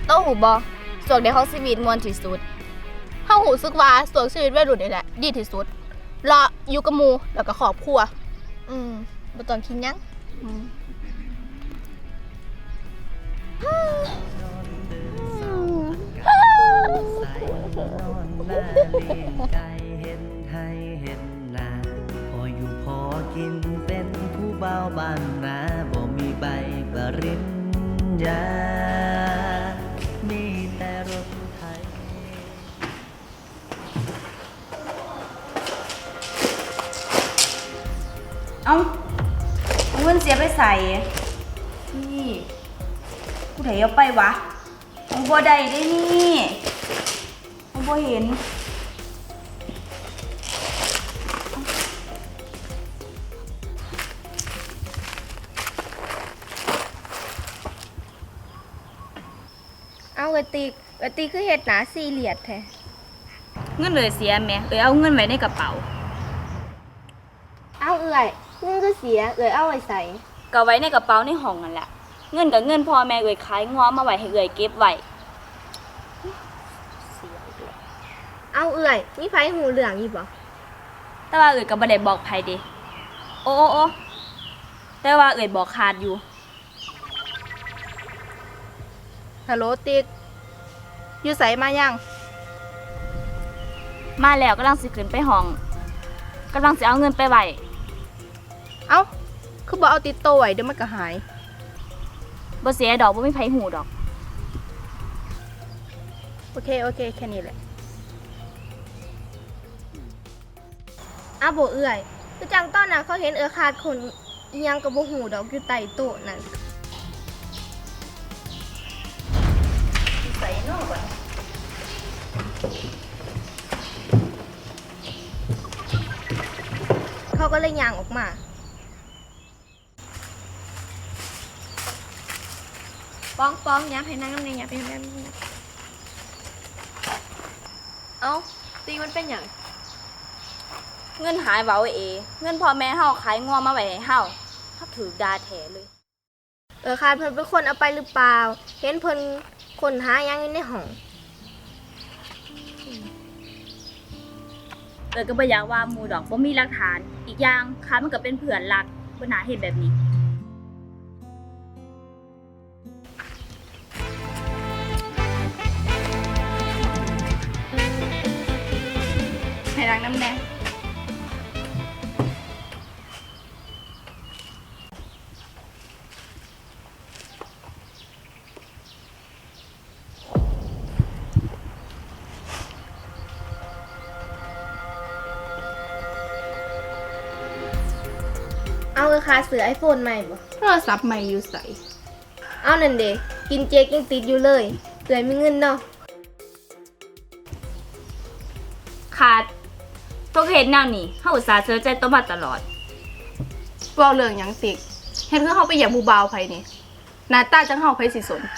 โต้หูบอส่วนในของชีวิตมวลที่สุดเฮาหูซึกว่าส่วนชีวิตวัยรุ่นนี่แหละดีที่สุดเลาะอยู่กับหมู่แล้วก็ครอบครัวบ่ต้องคิดหยังพออยู่พอกินเป็นผู้เบาบ้านนาบ่มีใบปริญญามีแต่รถไถเอาเงินเสียไปใส่นี่กูไถเอาไปวะเอาบ่ได้ได้นี่เอาบ่เห็นเอากะติคือเฮ็ดหนาซีเรียสแท้เงินเลยเสียแม่เอาเงินไว้ในกระเป๋าเอาเงินก็เสียเอาไว้ใส่ก็ไว้ในกระเป๋าในห้องนั่นแหละเงินกับเงินพ่อแม่ขายง้อมาไว้ให้เก็บไว้เอามีไผหูเรื่องอีบ่แต่ว่าก็บ่ได้บอกไผเด้โอ้แต่ว่าบอกขาดอยู่ฮัลโหลติ๊กอยู่ไสมายังมาแล้วกำลังสิขึ้นไปห้องกำลังสิเอาเงินไปไว้เอ้าคือบ่เอาติดตัวไว้เดี๋ยวมันก็หายบ่เสียดอกบ่มีไผหูดอกโอเคแค่นี้แหละบ่คือจังตอนน่ะเขาเห็นขาดคนอีหยังก็บ่ฮู้ดอกอยู่ใต้โต๊ะนั่นใส่นอกบ่เขาก็เลยย่างออกมาป้องยับให้นั่งน้ำในยับให้นั่งเอ้าตีมันเป็นอย่างเงินหายเว้าเงินพ่อแม่เฮาขายงัวมาไว้ให้เฮาถูกด่าแท้เลยค่ะเพิ่นเป็นคนเอาไปหรือเปล่าเห็นเพิ่นคนหายังอยู่ในห้องก็บ่อยากว่าหมู่ดอกบ่มีหลักฐานอีกอย่างค้ามันก็เป็นเพื่อนรักบ่น่าเฮ็ดแบบนี้ให้รักน้ำแน่เอาค่ะซื้อ iPhone ใหม่บ่โทรศัพท์ใหม่อยู่ใส่เอานั่นเด้กินเจกยังติดอยู่เลยมีเงินเนาะขาดตัวเฮ็ดแนวนี้เฮาอุตส่าห์เชื่อใจตัวมาตลอดเว้าเรื่องหยังติกเฮ็ดคือเฮาไปเหยียบผู้บ่าวไผนี่หน้าตาจังเฮาไผสิสน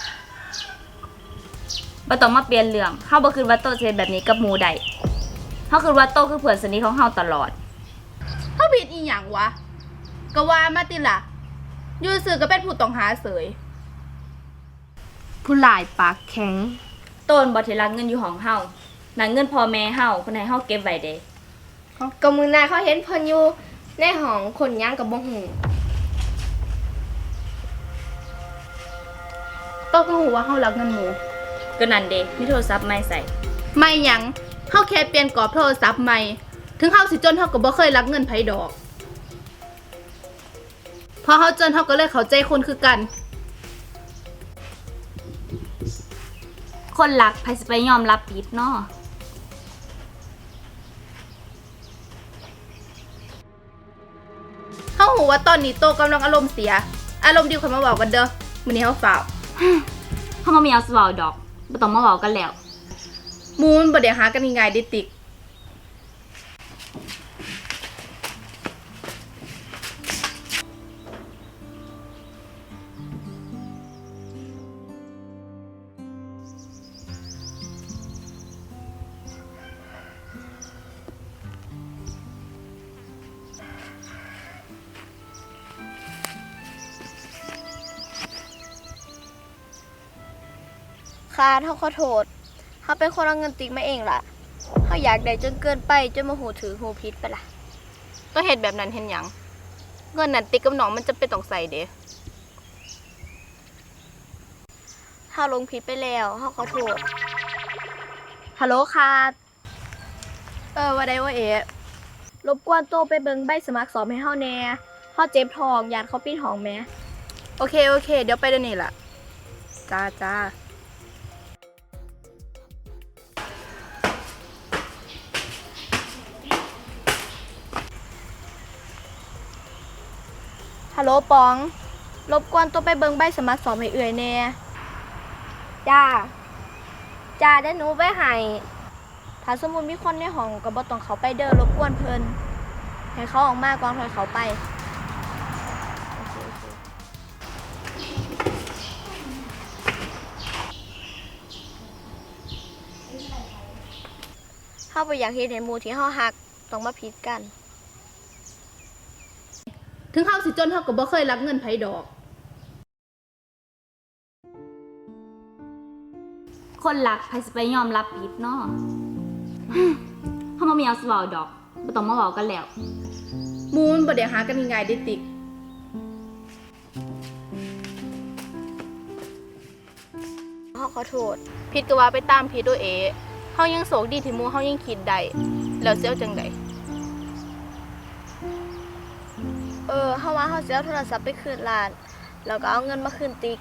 บ่ต้องมาเปลี่ยนเรื่องเฮาบ่คิดว่าโตสิเฮ็ดแบบนี้กับหมู่ใดเฮาคิดว่าโตคือเพื่อนสนิทของเฮาตลอดเฮาผิดอีหยังวะก็ว่ามาติล่ะอยู่ซื่อก็เป็นผู้ต้องหาเสยผู้หลายปากแข็งโต้นบ่ที่รักเงินอยู่ของเฮานั่นเงินพ่อแม่เฮาเพิ่นให้เฮาเก็บไว้เด้ก็มื้อหน้าเขาเห็นเพิ่นอยู่ในห้องคนหยังก็บ่ฮู้โตก็ฮู้ว่าเฮารักเงินหมู่ก็นั่นเด้มีโทรศัพท์ใหม่ใส่ไม่หยังเฮาแค่เปลี่ยนกรอบโทรศัพท์ใหม่ถึงเฮาสิจนเฮาก็บ่เคยรักเงินไผดอกพอเฮาจนเฮาก็เลยเข้าใจคนคือกันคนรักไผสิไปยอมรับผิดเนาะเฮาฮู้ว่าตอนนี้โตกำลังอารมณ์เสียอารมณ์ดีค่อยมาเว้ากันเด้อมื้อนี้เฮาฝ้าวเฮาบ่มีเอาสิเว้าดอกบ่ต้องมาเว้ากันแล้วหมู่มันบ่ได้หากันง่ายๆเด้ติกค่ะเฮาขอโทษเฮาเป็นคนเอาเงินติ๊กมาเองล่ะเฮาอยากได้จนเกินไปจนมาหูถือหูผิดไปล่ะก็เฮ็ดแบบนั้นเฮ็ดหยังเงินนั้นติ๊กกับน้องมันจะเป็นต้องใส่เด้เฮาลงผิดไปแล้วเฮาขอโทษฮัลโหลค่ะว่าได้ว่ารบกวนโตไปเบิ่งใบสมัครสอบให้เฮาแหน่เฮาเจ็บท้องยานเขาปิดห้องแหมโอเคเดี๋ยวไปเดี๋ยวนี้ล่ะจ้าฮัลโหลปองรบกวนโตไปเบิ่งใบสมัครสอบให้เอื่อยแหน่จ้าได้หนูไปให้ถ้าสมมุติมีคนในห้องก็บ่ต้องเขาไปเด้อรบกวนเพิ่นให้เขาออกมาก่อนค่อยเขาไปเฮาบ่อยากเฮ็ดให้หมู่ที่เฮาฮักต้องมาผิดกันถึงเฮาสิจนเฮาก็บ่เคยรับเงินไผดอกคนรักใครสิไปยอมรับผิดเนาะ เฮาบ่มีเอาสิเว้าดอกบ่ต้องมาเว้ากันแล้วหมูมันบ่ได้หากันง่ายๆได้ติ๊กเฮาขอโทษผิดก็ว่าไปตามผิดตัวเฮายังโศกดีที่หมู่เฮายังคิดได้แล้วสิเอาจังไดเฮาว่าเฮาสิเอาโทรศัพท์ไปคืนร้านแล้วก็เอาเงินมาคืนติ๊ก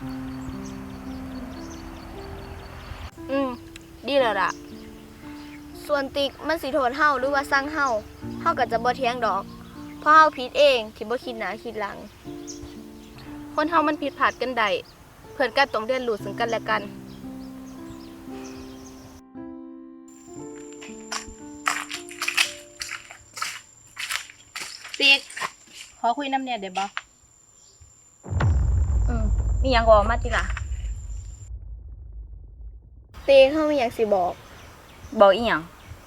ดีแล้วล่ะส่วนติ๊กมันสิโทษเฮาหรือว่าสั่งเฮาก็จะบ่เถียงดอกเพราะเฮาผิดเองที่บ่คิดหน้าคิดหลังคนเฮามันผิดพลาดกันได้เพื่อนก็ต้องเรียนรู้ซึ่งกันและกันติ๊กขอคุยน้ำเนี่ยได้บ่มีหยังก็ออกมาติล่ะติ๊กเฮามีหยังสิบอกบอกอีหยัง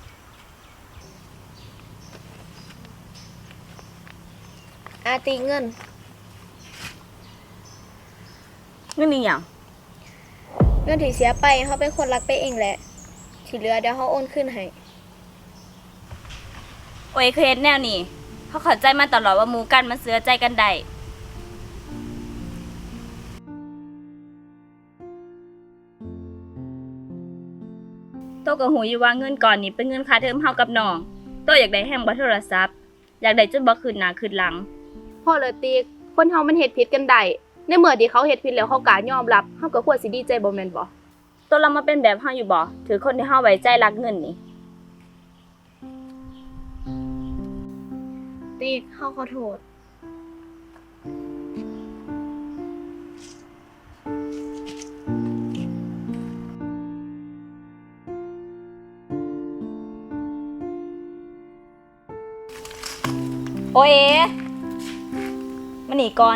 ติ๊กเงินเงินอีหยังเงินที่เสียไปเฮาเป็นคนรักไปเองแหละที่เหลือเดี๋ยวเฮาโอนคืนให้โอ้ยเคยเฮ็ดแนวนี้เขาเข้าใจมาตลอดว่าหมู่กันมันเสือใจกันได้โตก็หูอยู่ว่าเงินก่อนนี้เป็นเงินค่าเทอมเฮากับน้องโตอยากได้แฮงบ่โทรศัพท์อยากได้จนบ่คืนหน้าคืนหลังพ่อเลยติ๊กคนเฮามันเฮ็ดผิดกันได้ในเมื่อที่เขาเฮ็ดผิดแล้วเขากล้ายอมรับเฮาก็ควรสิดีใจบ่แม่นบ่ตัวเรามาเป็นแบบเฮาอยู่บ่ถือคนที่เฮาไว้ใจรักเงินนี่ติ๊กเฮาขอโทษโอเอมาหนีก่อน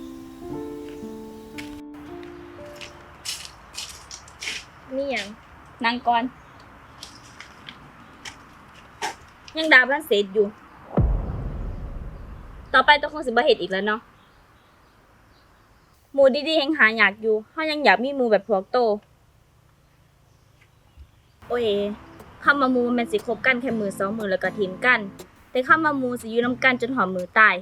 นี่หยังนั่งก่อน ยังดาบ้านเสร็จอยู่ ต่อไปต้องคงสิบ่เฮ็ดอีกแล้วเนาะหมู่ดีๆแห่งหาอยากอยู่เฮายังอยากมีหมู่แบบพวกโต โอเอคำว่าหมู่มันสิคบกันแค่มือสองมือแล้วก็ทิมกัน แต่คำว่าหมู่สิอยู่นำกันจนหอมมือตาย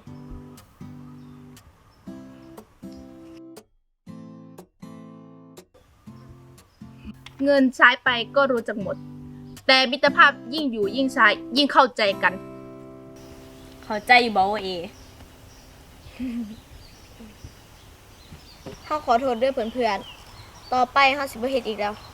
เงินใช้ไปก็รู้จักหมด แต่มิตรภาพยิ่งอยู่ยิ่งใช้ยิ่งเข้าใจกันเข้าใจอยู่บ่โอเอเฮาขอโทษด้วยเพื่อนๆต่อไปเฮาสิบ่เฮ็ดอีกแล้ว